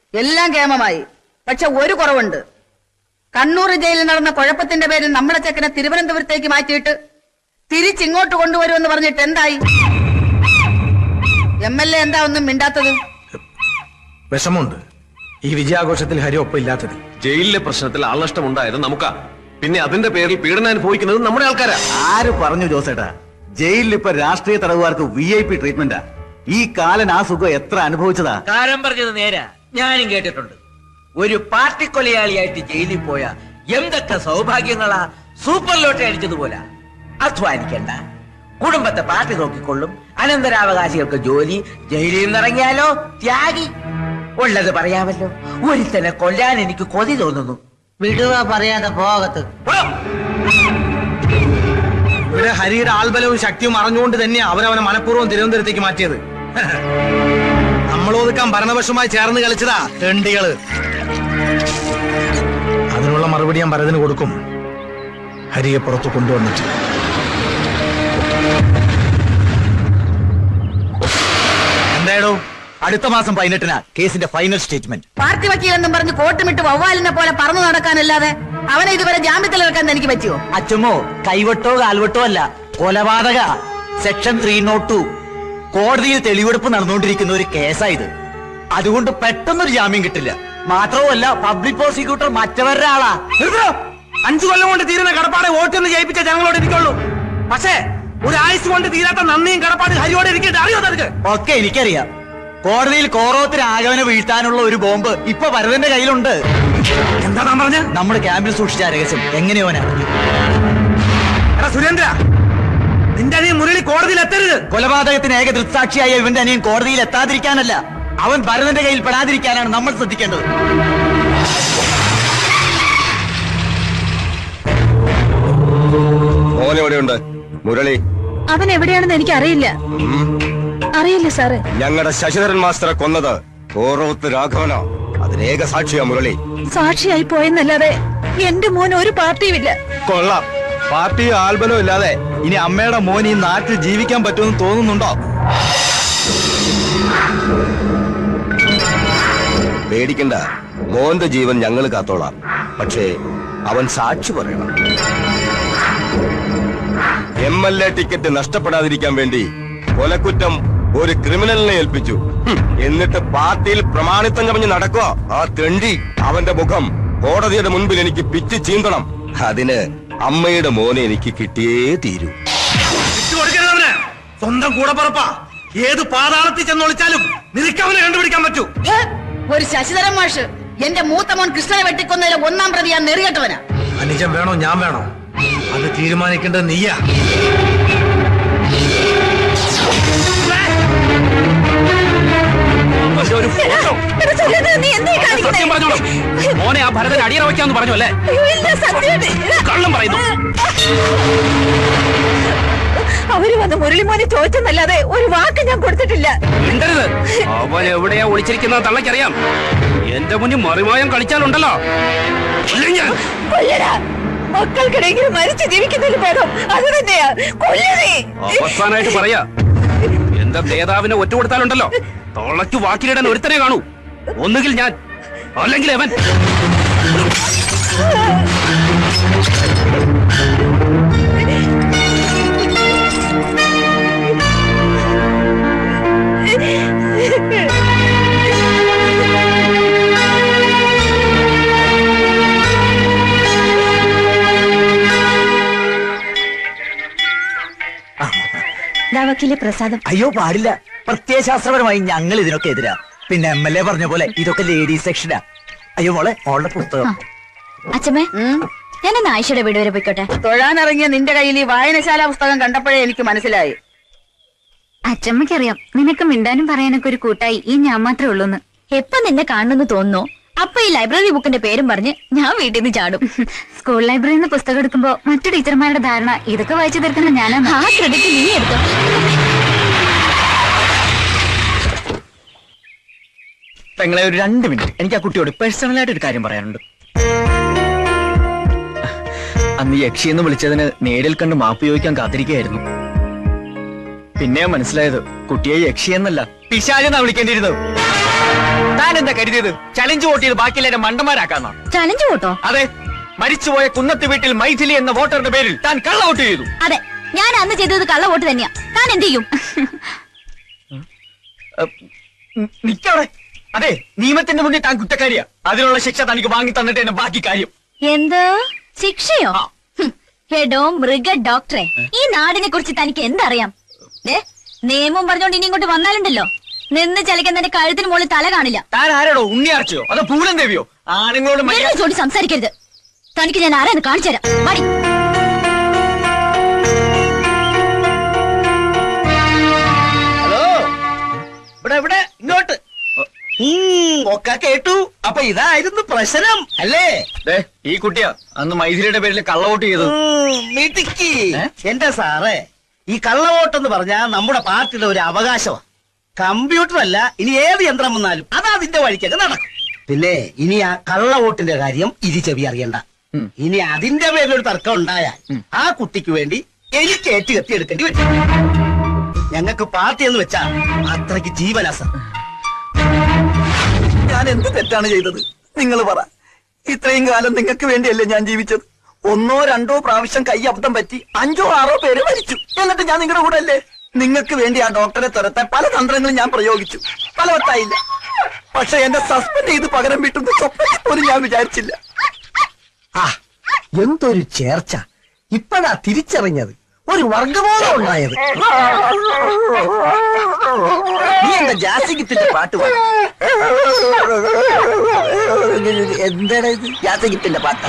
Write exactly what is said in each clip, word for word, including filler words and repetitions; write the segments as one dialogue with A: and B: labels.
A: എല്ലാം കേമമായി. പക്ഷെ ഒരു കുറവുണ്ട്. കണ്ണൂർ ജയിലിൽ നടന്ന കുഴപ്പത്തിന്റെ പേരിൽ നമ്മളെ ചെക്കനെ തിരുവനന്തപുരത്തേക്ക് മാറ്റിയിട്ട് തിരിച്ചിങ്ങോട്ട് കൊണ്ടുവരുമെന്ന് പറഞ്ഞിട്ട് എന്തായി? എം എൽ എ എന്താ ഒന്നും മിണ്ടാത്തത്?
B: വിഷമമുണ്ട് ഈ വിജയാഘോഷത്തിൽ ഹരി ഒപ്പം ഇല്ലാത്തത്.
C: ജയിലിലെ പ്രശ്നത്തിൽ ആൾനഷ്ടം ഉണ്ടായത് നമുക്കാ. പിന്നെ അതിന്റെ പേരിൽ പീഡനം അനുഭവിക്കുന്നത് നമ്മുടെ ആൾക്കാരാ.
D: ആര് പറഞ്ഞു ജോസേട്ടാ? ജയിലിൽ ഇപ്പൊ രാഷ്ട്രീയ തടവുകാർക്ക് വി ഐ പി ട്രീറ്റ്മെന്റാ. ഈ കാലൻ ആ സുഖം എത്ര അനുഭവിച്ചതാ.
E: കാരം പറഞ്ഞത് നേരാ, ഞാനും കേട്ടിട്ടുണ്ട്. ഒരു പാർട്ടി കൊലയാളിയായിട്ട് ജയിലിൽ പോയ എന്തൊക്കെ സൗഭാഗ്യങ്ങളാ. Super lottery അടിച്ചതുപോലെ. അധ്വാനിക്കണ്ട, കുടുംബത്തെ പാർട്ടി നോക്കിക്കൊള്ളും, അനന്തരാവകാശികൾക്ക് ജോലി, ജയിലിൽ നിന്നിറങ്ങിയാലോ ത്യാഗി. ഉള്ളത് പറയാമല്ലോ, ഒരുത്തനെ കൊല്ലാൻ എനിക്ക് കൊതി തോന്നുന്നു.
F: വിടുക പറയാതെ പോകത്ത്.
B: ഇവിടെ ഹരിയുടെ ആൽബലവും ശക്തിയും അറിഞ്ഞുകൊണ്ട് തന്നെയാ അവരവനെ മനഃപൂർവ്വം തിരുവനന്തപുരത്തേക്ക് മാറ്റിയത്. നമ്മളൊതുക്കാൻ ഭരണപക്ഷമായി ചേർന്ന് കളിച്ചതാ തെണ്ടികള്. അതിനുള്ള മറുപടി ഞാൻ ഭരതന് കൊടുക്കും, ഹരിയെ പുറത്തു കൊണ്ടുവന്നിട്ട്.
D: എന്തായാലും അടുത്ത മാസം പതിനെട്ടിനാ കേസിന്റെ ഫൈനൽ സ്റ്റേറ്റ്മെന്റ്.
A: പാർട്ടി വക്കീലെന്നും പറഞ്ഞ് കോട്ടുമിട്ട് വവ്വാലിനെ പോലെ പറന്നു നടക്കാനല്ലാതെ അവനെ ഇതുവരെ ജാമ്യത്തിലിറക്കാൻ എനിക്ക് പറ്റിയോ?
D: അച്ഛമ്മോ, കൈവട്ടോ കാൽവട്ടോ അല്ല, കൊലപാതക. സെക്ഷൻ ത്രീ നോട്ട് ടു കോടതിയിൽ തെളിവെടുപ്പ് നടന്നുകൊണ്ടിരിക്കുന്ന ഒരു കേസായത്. അതുകൊണ്ട് പെട്ടെന്നൊരു ജാമ്യം കിട്ടില്ല. മാത്രവുമല്ല, പബ്ലിക് പ്രോസിക്യൂട്ടർ മറ്റവരുടെ ആളാ.
B: അഞ്ചു കൊല്ലം കൊണ്ട് തീരുന്ന കടപ്പാട് വോട്ടൊന്ന് ജയിപ്പിച്ച ജനങ്ങളോട് ഇരിക്കുള്ളൂ. പക്ഷേ ഒരാഴ്ച കൊണ്ട് തീരാത്ത നന്ദിയും കടപ്പാട് ഹരിയോടെ ഇരിക്കട്ടെ. അറിയോ നിനക്ക്?
D: ഒക്കെ എനിക്കറിയാം. കോടതിയിൽ കോറോത്തിന് ആഗമനം വീഴ്ത്താനുള്ള ഒരു ബോംബ് ഇപ്പൊ ഭരതന്റെ കയ്യിലുണ്ട്.
B: എന്താ താൻ പറഞ്ഞ?
D: നമ്മുടെ ക്യാമ്പിൽ സൂക്ഷിച്ച രഹസ്യം എങ്ങനെയോനാ?
B: സുരേന്ദ്ര, നിന്റെ അനിയൻ മുരളി കോടതിയിൽ എത്തരുത്.
D: കൊലപാതകത്തിന് ഏക ദൃക്സാക്ഷിയായ ഇവന്റെ അനിയൻ കോടതിയിൽ എത്താതിരിക്കാനല്ല, അവൻ ഭരതന്റെ കയ്യിൽ പെടാതിരിക്കാനാണ് നമ്മൾ ശ്രദ്ധിക്കേണ്ടത്.
G: മോനെവിടെയുണ്ട് മുരളി?
A: അവൻ എവിടെയാണെന്ന് എനിക്ക് അറിയില്ല. അറിയില്ല സാറ്.
G: ഞങ്ങളുടെ ശശിധരൻ മാസ്റ്ററെ കൊന്നത് ഓറോത്ത് രാഘവനോ? അതിനേക സാക്ഷിയാ മുരളി.
A: സാക്ഷിയായി പോയെന്നല്ലാതെ എന്റെ മോൻ ഒരു പാർട്ടിയുമില്ല.
D: കൊള്ളാം. പാർട്ടിയോ ആൽബലോ ഇല്ലാതെ ഇനി അമ്മയുടെ മോൻ ഈ നാട്ടിൽ ജീവിക്കാൻ പറ്റുമെന്ന് തോന്നുന്നുണ്ടോ?
G: പേടിക്കണ്ട, മോന്റെ ജീവൻ ഞങ്ങൾ കാത്തോളാം. പക്ഷേ അവൻ സാക്ഷി പറയണം. എം എൽ എ ടിക്കറ്റ് നഷ്ടപ്പെടാതിരിക്കാൻ വേണ്ടി കൊലക്കുറ്റം ഒരു ക്രിമിനലിനെ ഏൽപ്പിച്ചു. എന്നിട്ട് പാർട്ടിയിൽ പ്രമാണിത്വം കവിഞ്ഞ് നടക്കുക ആ തെണ്ടി. അവന്റെ മുഖം കോടതിയുടെ മുൻപിൽ എനിക്ക് പിച്ച് ചീന്തണം. അതിന് അമ്മയുടെ മോനെ എനിക്ക് കിട്ടിയേ തീരൂ.
B: സ്വന്തം കൂടപ്പറപ്പാ. ഏത് പാതാളത്തിൽ ചെന്നൊളിച്ചാലും നിനക്കവനെ കണ്ടുപിടിക്കാൻ പറ്റൂ.
A: ഒരു ശശിധരൻ മാഷ് എന്റെ മൂത്ത മോൻ കൃഷ്ണനെ വെട്ടിക്കൊന്നതിലെ ഒന്നാം പ്രതി ഞാൻ നെറികെട്ടവനാ.
B: അനുജൻ വേണോ ഞാൻ വേണോ അത് തീരുമാനിക്കേണ്ടത് നീയാ.
C: മോനെ ആ ഭരതൻ അടിയറ വയ്ക്കാന്ന് പറഞ്ഞു അല്ലേ? കള്ളം പറയുന്നു.
A: അവര് വന്ന് മുരളിമോനെ ചോദിച്ചെന്നല്ലാതെ ഒരു വാക്ക് ഞാൻ കൊടുത്തിട്ടില്ല.
C: മിണ്ടരുത്. അവൻ എവിടെയാ ഒളിച്ചിരിക്കുന്ന തള്ളക്കറിയാം. എന്റെ മുന്നിൽ മറിമായം കളിച്ചാലുണ്ടല്ലോ.
A: മക്കൾക്കിടയിൽ മരിച്ചു ജീവിക്കുന്നതിൽ ഭേദം അത് തന്നെയാ.
C: അവസാനായിട്ട് പറയാ, എന്റെ നേതാവിനെ ഒറ്റ കൊടുത്താലുണ്ടല്ലോ തൊളയ്ക്ക് വാക്കിലിടാൻ ഒരുത്തനെ കാണൂ. ഒന്നുകിൽ ഞാൻ, അല്ലെങ്കിൽ അവൻ.
A: പ്രസാദം.
D: അയ്യോ പാടില്ല. പ്രത്യയശാസ്ത്രപരമായി ഞങ്ങൾ ഇതിനൊക്കെ എതിരാ. പിന്നെ എം എൽ എ പറഞ്ഞ പോലെ ഇതൊക്കെ ലേഡീസ് സെക്ഷനാ. അയ്യോ മോളെ, മോളുടെ പുസ്തകം.
H: അച്ഛമ്മേ, ഞാൻ ആയിഷയുടെ വീട് വരെ പോയിക്കോട്ടെ.
A: തൊഴാനിറങ്ങിയ നിന്റെ കയ്യിൽ ഈ വായനശാല പുസ്തകം കണ്ടപ്പോഴേ എനിക്ക് മനസ്സിലായി.
H: അച്ഛമ്മയ്ക്കറിയാം നിനക്ക് മിണ്ടാനും പറയാനൊക്കെ ഒരു കൂട്ടായി ഈ ഞാൻ മാത്രമേ ഉള്ളൂന്ന്. എപ്പൊ നിന്നെ കാണുന്നു തോന്നുന്നു അപ്പൊ ഈ ലൈബ്രറി ബുക്കിന്റെ പേരും പറഞ്ഞ് ഞാൻ വീട്ടിൽ നിന്ന് ചാടും. സ്കൂൾ ലൈബ്രറിയിൽ നിന്ന് പുസ്തകം എടുക്കുമ്പോ മറ്റു ടീച്ചർമാരുടെ ധാരണ ഇതൊക്കെ വായിച്ചു തീർക്കുന്ന ഞാനാണ്. ആ ക്രെഡിറ്റ് നീ എടുത്തോ.
D: പെങ്ങളെ, ഒരു രണ്ട് മിനിറ്റ് എനിക്ക് ആ കുട്ടിയോട് പേഴ്സണലായിട്ട് ഒരു കാര്യം പറയാനുണ്ട്. അന്ന് യക്ഷിയെന്ന് വിളിച്ചതിന് നേരിൽ കണ്ട് മാപ്പ് ചോദിക്കാൻ കാത്തിരിക്കുകയായിരുന്നു. പിന്നെ മനസ്സിലായത് കുട്ടിയെ യക്ഷിയെന്നല്ല പിശാചെന്നാ വിളിക്കേണ്ടിയിരുന്നത്. താൻ എന്താ കരുതിയത് ചലഞ്ച് വോട്ട് ചെയ്ത് ബാക്കിയെല്ലാരും മണ്ടന്മാരാക്കാന്നോ?
H: ചലഞ്ച് വോട്ടോ?
D: അതെ, മരിച്ചുപോയ കുന്നത്ത് വീട്ടിൽ മൈഥിലി എന്ന വോട്ടറുടെ പേരിൽ താൻ കള്ള വോട്ട് ചെയ്തു.
H: അതെ, ഞാൻ അന്ന് ചെയ്തത് കള്ള വോട്ട് തന്നെയാ. താൻ എന്ത് ചെയ്യും?
D: നിക്കവിടെ. അതെ, നിയമത്തിന്റെ മുന്നിൽ താൻ കുറ്റക്കാരിയാ. അതിനുള്ള ശിക്ഷ തനിക്ക് വാങ്ങി തന്നിട്ട് തന്നെ ബാക്കി കാര്യം.
H: എന്ത് ശിക്ഷയോ? ഹെഡോ മൃഗ ഡോക്ടറെ, ഈ നാടിനെ കുറിച്ച് തനിക്ക് എന്തറിയാം? നിയമം പറഞ്ഞോണ്ട് ഇനി ഇങ്ങോട്ട് വന്നാലുണ്ടല്ലോ, നിന്ന് ചലിക്കുന്നതിന്റെ കഴുത്തിന് മുകളിൽ തല കാണില്ല.
D: താൻ ആരോടോ, ഉണ്ണിയാർച്ചയോ അതോ പൂലം ദേവിയോ? ആണുങ്ങളോട് മര്യാദ
H: ചോടി സംസാരിക്കരുത്. തനിക്ക് ഞാൻ ആരാന്ന് കാണിച്ചു തരാം. മടി.
E: ഹലോ, ഇവിടെ ഇവിടെ ഇങ്ങോട്ട്. ഒക്കെ കേട്ടു. അപ്പൊ ഇതായിരുന്നു പ്രശ്നം അല്ലേ?
D: ഈ കുട്ടിയാ അന്ന് മൈഥിലിയുടെ പേരിൽ കള്ളവോട്ട് ചെയ്തത്.
E: മിടുക്കി. എന്റെ സാറേ, ഈ കള്ളവോട്ടെന്ന് പറഞ്ഞാൽ നമ്മുടെ പാർട്ടിയുടെ ഒരു അവകാശമാണ്. കമ്പ്യൂട്ടർ അല്ല, ഇനി ഏത് യന്ത്രം വന്നാലും അത് അതിന്റെ വഴിക്കൊക്കെ നടക്കും. പിന്നെ ഇനി ആ കള്ളവോട്ടിന്റെ കാര്യം ഇരി ചെവി അറിയണ്ട. ഇനി അതിന്റെ പേരിലൊരു തർക്കം ഉണ്ടായാൽ ആ കുട്ടിക്ക് വേണ്ടി എനിക്ക് ഏറ്റ് കത്തി എടുക്കേണ്ടി വരും. ഞങ്ങൾക്ക് പാർട്ടി എന്ന് വെച്ചാ അത്രയ്ക്ക് ജീവനാസ.
D: ഞാൻ എന്ത് തെറ്റാണ് ചെയ്തത്? നിങ്ങൾ പറ. ഇത്രയും കാലം നിങ്ങൾക്ക് വേണ്ടിയല്ലേ ഞാൻ ജീവിച്ചത്? ഒന്നോ രണ്ടോ പ്രാവശ്യം കൈ അബദ്ധം പറ്റി അഞ്ചോ ആറോ പേര് മരിച്ചു. എന്നിട്ട് ഞാൻ നിങ്ങളുടെ കൂടെ അല്ലേ? നിങ്ങൾക്ക് വേണ്ടി ആ ഡോക്ടറെ തുരത്താൻ പല തന്ത്രങ്ങളും ഞാൻ പ്രയോഗിച്ചു. ഫലവത്തായില്ല. പക്ഷെ എന്നെ സസ്പെൻഡ് ചെയ്ത് പകരം വീട്ടുന്ന സ്വപ്നത്തിൽ പോലും ഞാൻ വിചാരിച്ചില്ല.
E: ആ, എന്തൊരു ചേർച്ച! ഇപ്പഴാ തിരിച്ചറിഞ്ഞത്. ഒരു വർഗബോധം ഉണ്ടായത്. നീ എന്താ ജാസിഗിത്തിന്റെ പാട്ട് പാടും? എന്താണ് ഇത്? ജാസിഗിത്തിന്റെ പാട്ടാ?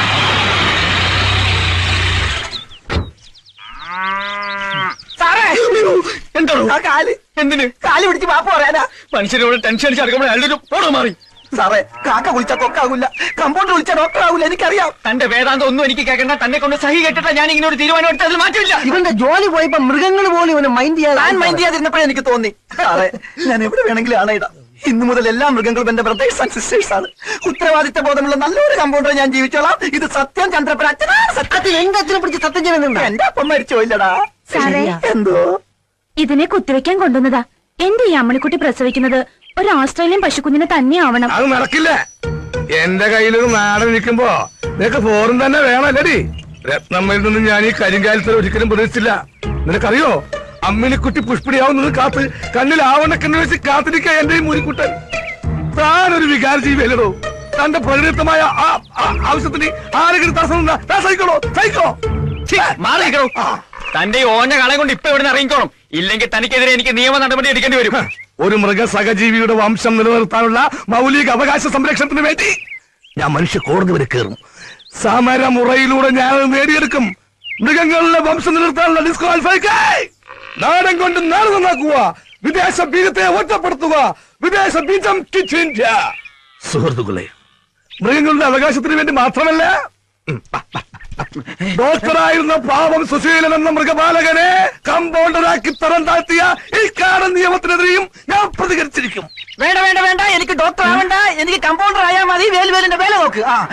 D: എന്താണ് ആ കാല്? എന്തിന് കാല് പിടിച്ച് പാപ്പ പറയാനാ? മനുഷ്യരോട് ടെൻഷൻ അടിച്ച് അടുക്കുമ്പോൾ അയാളുടെ ഫോട്ടോ മാറി. സാറേ, കാക്ക വിളിച്ചാൽ കൊക്കാകൂല, കമ്പൗണ്ടർ വിളിച്ചാൽ ഡോക്ടർ ആകൂല. എനിക്കറിയാം. തന്റെ വേദാന്തം ഒന്നും എനിക്ക് കേൾക്കണ്ട. തന്നെ കൊണ്ട് സഹി കേട്ടിട്ടാ ഞാൻ ഇങ്ങനെ ഒരു തീരുമാനം എടുത്ത് അതിൽ മാറ്റമില്ല.
E: ഇവന്റെ ജോലി പോയപ്പോ മൃഗങ്ങൾ പോലും ഇവനെ മൈൻഡ് ചെയ്യാൻ
D: ഞാൻ മൈൻഡ് ചെയ്യാതിരുന്നപ്പോഴേ എനിക്ക് തോന്നി. സാറേ, ഞാൻ എവിടെ വേണമെങ്കിലും ആണയിടാം. ഇന്നു മുതൽ എല്ലാ മൃഗങ്ങളും എന്റെ ബ്രദേഴ്സ് ആൻഡ് സിസ്റ്റേഴ്സ് ആണ്. ഉത്തരവാദിത്ത ബോധമുള്ള നല്ലൊരു കമ്പൗണ്ടർ ഞാൻ ജീവിച്ചോളാം. ഇത് സത്യം. ചന്ദ്രപ്പൻ അച്ഛനാണ് സത്യം.
E: എന്റെ അച്ഛനെ പിടിച്ച് സത്യം ചെയ്യുന്നുണ്ട്.
D: എന്റെ അപ്പം മരിച്ചു പോയില്ലടാ.
H: സാറേ,
D: എന്തോ
H: ഇതിനെ കുത്തിവെക്കാൻ കൊണ്ടുവന്നതാ. എന്റെ ഈ അമ്മണിക്കുട്ടി പ്രസവിക്കുന്നത് ഒരു ഓസ്ട്രേലിയൻ പശുക്കുഞ്ഞിനെ തന്നെ ആവണം.
B: അത് നടക്കില്ല. എന്റെ കയ്യിലൊരു നാടൻ നിൽക്കുമ്പോ നിനക്ക് ഫോറും തന്നെ വേണമല്ലടി. രത്നമ്മയിൽ നിന്ന് ഞാൻ ഈ കരിങ്കാലത്തിൽ ഒരിക്കലും പ്രതീക്ഷിച്ചില്ല. നിനക്കറിയോ, അമ്മിനിക്കുട്ടി പുഷ്പിടിയാവുന്നത് കാത്ത് കണ്ണിൽ ആവണക്കെന്ന് വെച്ച് കാത്തിരിക്ക എന്റെ ഈ മുരിക്കുട്ടൻ. താനൊരു വികാര ജീവിയല്ലോ. തന്റെ പ്രകൃതമായ ആവശ്യത്തിന് ആരെങ്കിലും തടസ്സം സഹിക്കണോ? സഹിക്കോ?
D: മാറിക്കണോ? തന്റെ ഈ ഓഞ്ഞ കളെ കൊണ്ട് ഇപ്പൊ ഇവിടെ ഇറങ്ങിക്കോണം. ഇല്ലെങ്കിൽ തനിക്കെതിരെ എനിക്ക് നിയമ നടപടി എടുക്കേണ്ടി വരും.
B: ഒരു മൃഗ സഹജീവിയുടെ വംശം നിലനിർത്താനുള്ള മൗലിക അവകാശ സംരക്ഷണത്തിന് വേണ്ടി ഞാൻ മനുഷ്യ കോടതി വരെ കയറും. സമരമുറയിലൂടെ ഞാൻ നേടിയെടുക്കും. മൃഗങ്ങളുടെ വംശം നിലനിർത്താനുള്ള ഡിസ്ക്വാളിഫൈ. നാടൻ കൊണ്ട് നാട് നന്നാക്കുക, വിദേശ ബീജത്തെ ഒറ്റപ്പെടുത്തുക, വിദേശ ബീജം കിച്ചിന്ത്യ. സുഹൃത്തുക്കളെ, മൃഗങ്ങളുടെ അവകാശത്തിന് വേണ്ടി മാത്രമല്ല, ഡോക്ടറായിരുന്ന പാവം സുശീലൻ എന്ന മൃഗപാലകനെ കമ്പൗണ്ടറാക്കി തരം താഴ്ത്തിയ ഈ കാടൻ നിയമത്തിനെതിരെയും ഞാൻ പ്രതികരിച്ചിരിക്കും.
E: വേണ്ട വേണ്ട വേണ്ട, എനിക്ക് ഡോക്ടർ ആവണ്ട. എനിക്ക് കമ്പൗണ്ടർ ആയാൽ മതി. വേലുവേലിന്റെ വേല നോക്ക്. ആ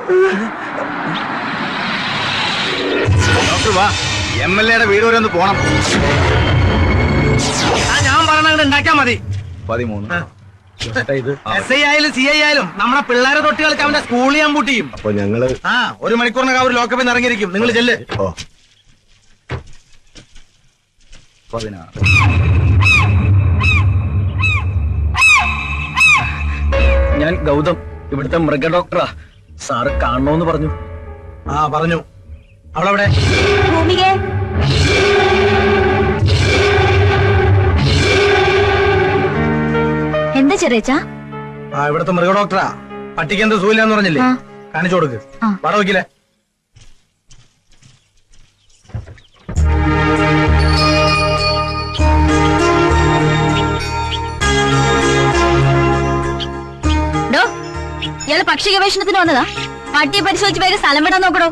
G: ഡോക്ടർ വാ, എം എൽ എയുടെ വീട് വരെ ഒന്ന് പോണം.
B: ഞാൻ പറഞ്ഞ ഉണ്ടാക്കിയാ മതി.
G: പതിമൂന്ന്
B: എസ് ഐ ആയാലും സി ഐ ആയാലും നമ്മളെ പിള്ളേരെ തൊട്ടികൾക്ക് അവന്റെ സ്കൂളിൽ ഞാൻ പൂട്ടിയും.
G: അപ്പൊ ഞങ്ങള്
B: ആ ഒരു മണിക്കൂറിനൊക്കെ അവർ ലോക്കപ്പിൽ നിന്ന് ഇറങ്ങിയിരിക്കും. നിങ്ങൾ ചെല്ല്.
G: ഓ പതിനാറ്.
D: ഞാൻ ഗൗതം, ഇവിടുത്തെ മൃഗ ഡോക്ടറാ. സാറ് കാണണോന്ന് പറഞ്ഞു.
B: ആ പറഞ്ഞു. അവളവിടെ
H: ഭൂമികേ, എന്താ ചെറിയച്ചാ?
B: ആ ഇവിടുത്തെ മൃഗ ഡോക്ടറാ. പട്ടിക്ക് എന്ത് സൂയില്ലാന്ന് പറഞ്ഞില്ലേ? കാണിച്ചു കൊടുക്ക്. വട വയ്ക്കില്ലേ?
H: ഇയാള് പക്ഷി ഗവേഷണത്തിന് വന്നതാ. പട്ടിയെ പരിശോധിച്ച് വേറെ സ്ഥലം വിടാൻ നോക്കണോ?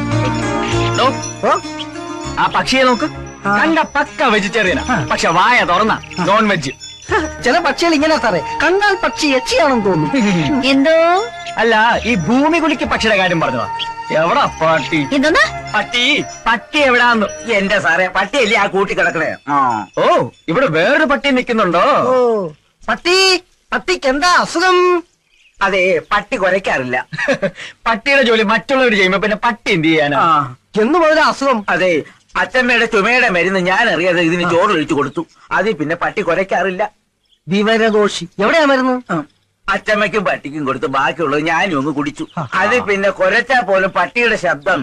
D: ആ പക്ഷിയെ നോക്ക്. കണ്ട പക്ക വെജിറ്റേറിയനാ, പക്ഷെ വായ തുറന്ന നോൺ വെജ്.
E: ചില പക്ഷികൾ ഇങ്ങനെ സാറേ, കണ്ടാൽ പക്ഷി യക്ഷിയാണെന്ന് തോന്നുന്നു.
H: എന്തോ
D: അല്ല, ഈ ഭൂമി കുലിക്ക് പക്ഷിയുടെ കാര്യം പറഞ്ഞതാ. എവിടാ പട്ടി?
H: എന്തോന്നാ
D: പട്ടി പട്ടി എവിടാന്ന്?
E: എന്റെ സാറേ, പട്ടിയല്ലേ ആ കൂട്ടി കിടക്കണേ.
D: ഓ, ഇവിടെ വേറൊരു പട്ടി നിൽക്കുന്നുണ്ടോ?
E: പട്ടി പട്ടിക്ക് എന്താ അസുഖം? അതെ, പട്ടി കുരയ്ക്കാറില്ല.
D: പട്ടിയുടെ ജോലി മറ്റുള്ളവർ ചെയ്യുമ്പോ പിന്നെ പട്ടി എന്ത് ചെയ്യാനാ?
E: എന്ന് മുതൽ അസുഖം? അതെ, അച്ഛമ്മയുടെ ചുമയുടെ മരുന്ന് ഞാൻ അറിയാതെ ഇതിന് ചോറിലൊഴിച്ചു കൊടുത്തു. അതിൽ പിന്നെ പട്ടി കുരയ്ക്കാറില്ല.
F: വിവരദോഷി. എവിടെയാ മരുന്ന്?
E: അച്ഛമ്മയ്ക്കും പട്ടിക്കും കൊടുത്ത് ബാക്കിയുള്ളത് ഞാനും ഒന്ന് കുടിച്ചു. അതിൽ പിന്നെ കുരച്ചാ പോലും പട്ടിയുടെ ശബ്ദം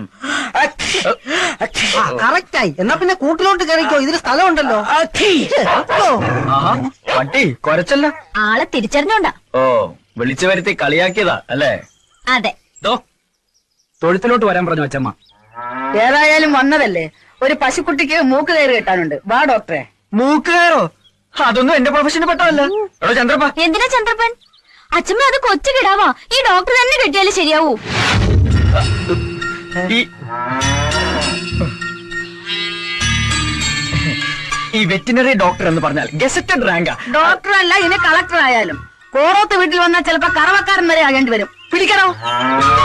F: കറക്റ്റായി. എന്നാ പിന്നെ കൂട്ടിലോട്ട് കയറിക്കോ, ഇതിന് സ്ഥലമുണ്ടല്ലോ.
D: പട്ടി കൊരച്ചല്ല.
H: ആളെ തിരിച്ചറിഞ്ഞോണ്ടാ.
D: ഓ, വിളിച്ചു വരുത്തി കളിയാക്കിയതാ അല്ലേ?
H: അതെ.
C: തൊഴുത്തിലോട്ട് വരാൻ പറഞ്ഞു അച്ഛമ്മ.
A: ഏതായാലും വന്നതല്ലേ, ഒരു പശുക്കുട്ടിക്ക് മൂക്ക് കയറി കെട്ടാനുണ്ട്. വാ ഡോക്ടറെ.
D: മൂക്കുകയറോ? അതൊന്നും എന്റെ പ്രൊഫഷന് പെട്ടതല്ല. എടോ ചന്ദ്രപ്പ.
H: എന്തിനാ ചന്ദ്രപ്പൻ? അച്ഛമ്മ അത് കൊച്ചു കിടാവാ. ഈ ഡോക്ടർ തന്നെ കെട്ടിയാലേ ശരിയാവൂ.
D: ഈ വെറ്റിനറി ഡോക്ടർ എന്ന് പറഞ്ഞാൽ ഗസറ്റഡ് റാങ്കാ.
A: ഡോക്ടർ അല്ല, ഇനി കളക്ടർ ആയാലും കോറോത്ത് വീട്ടിൽ വന്നാൽ ചിലപ്പോ കറവക്കാരൻ വരെ ആകേണ്ടി വരും. പിടിക്കണോ?